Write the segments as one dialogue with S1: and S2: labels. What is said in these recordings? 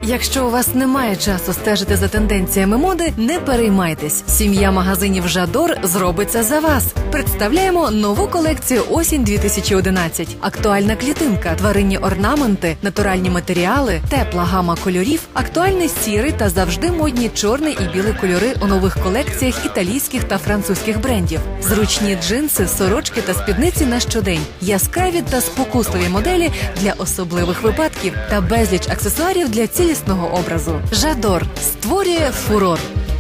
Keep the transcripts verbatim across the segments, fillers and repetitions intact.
S1: Якщо у вас немає часу стежити за тенденціями моди, не переймайтесь. Сім'я магазинів «Жадор» зробить це за вас. Представляємо нову колекцію осінь дві тисячі одинадцять. Актуальна клітинка, тваринні орнаменти, натуральні матеріали, тепла гама кольорів, актуальний сірий та завжди модні чорний і білий кольори у нових колекціях італійських та французьких брендів. Зручні джинси, сорочки та спідниці на щодень. Яскраві та спокусливі моделі для особливих випадків та безліч аксесуарів для цілісного образу. «Жадор» створює фурор.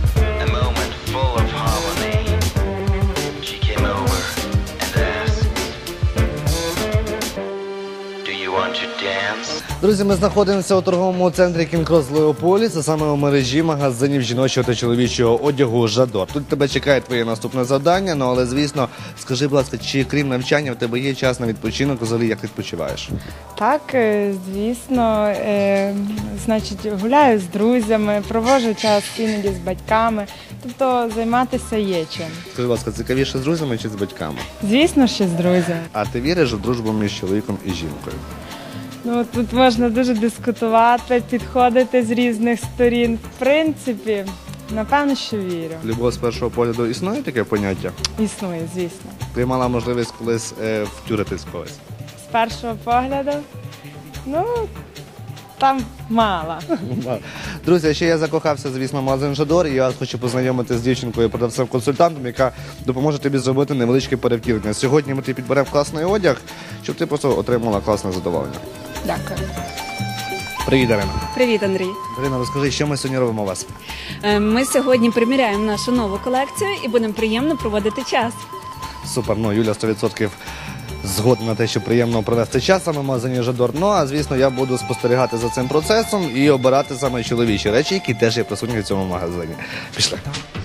S2: Друзі, ми знаходимося у торговому центрі Кінг-Крос Леополіс, а саме у мережі магазинів жіночого та чоловічого одягу «Жадор». Тут тебе чекає твоє наступне завдання, ну але, звісно, скажи, будь ласка, чи крім навчання в тебе є час на відпочинок, взагалі як відпочиваєш?
S3: Так, звісно, е, значить, гуляю з друзями, проводжу час іноді з батьками, тобто займатися є чим.
S2: Скажи, будь ласка, цікавіше з друзями чи з батьками?
S3: Звісно, ще з друзями.
S2: А ти віриш у дружбу між чоловіком і жінкою?
S3: Ну, тут можна дуже дискутувати, підходити з різних сторін. В принципі, напевно, що вірю.
S2: Любов з першого погляду існує таке поняття?
S3: Існує, звісно.
S2: Ти мала можливість колись е, втюритись в когось?
S3: З першого погляду? Ну, там мало.
S2: Друзі, ще я закохався, звісно, в магазин «Жадор», і я вас хочу познайомити з дівчинкою, продавцем-консультантом, яка допоможе тобі зробити невеличке перевтілення. Сьогодні ми тобі підберемо класний одяг, щоб ти просто отримала класне задоволення.
S4: Дякую.
S2: Привіт, Дарина.
S4: Привіт, Андрій.
S2: Дарина, розкажи, що ми сьогодні робимо у вас?
S4: Ми сьогодні приміряємо нашу нову колекцію і будемо приємно проводити час.
S2: Супер, ну Юля сто відсотків згодна на те, що приємно провести час саме в магазині «Жадор». Ну, а звісно, я буду спостерігати за цим процесом і обирати саме чоловічі речі, які теж є присутні в цьому магазині. Пішли.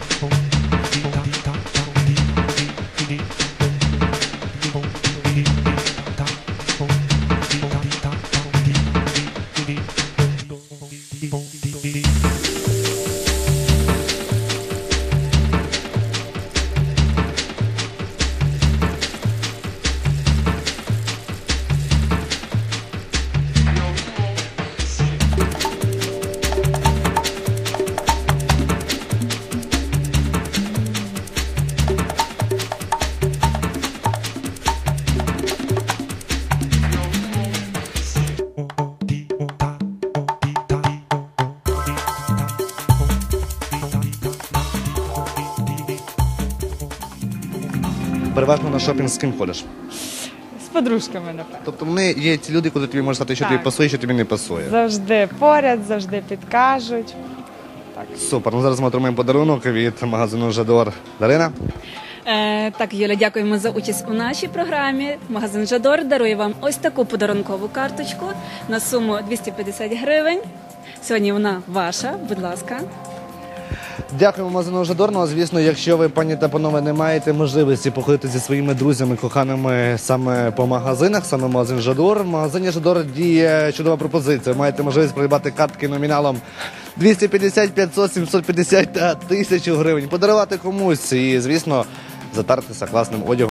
S2: Переважно на шопінг з ким ходиш?
S3: З подружками, напевно.
S2: Тобто вони є ці люди, коли тобі можуть сказати, що
S3: Так.
S2: тобі пасує, що тобі не пасує.
S3: Завжди поряд, завжди підкажуть. Так.
S2: Супер, ну зараз ми отримаємо подарунок від магазину «Жадор». Дарина?
S4: Е, так, Юля, дякуємо за участь у нашій програмі. Магазин «Жадор» дарує вам ось таку подарункову карточку на суму двісті п'ятдесят гривень. Сьогодні вона ваша, будь ласка.
S2: Дякуємо магазину «Жадор». Ну, а звісно, якщо ви, пані та панове, не маєте можливості походити зі своїми друзями, коханими саме по магазинах, саме магазин «Жадор», в магазині «Жадор» діє чудова пропозиція. Маєте можливість придбати картки номіналом двісті п'ятдесят, п'ятсот, сімсот п'ятдесят та тисячу гривень. Подарувати комусь і, звісно, затартися класним одягом.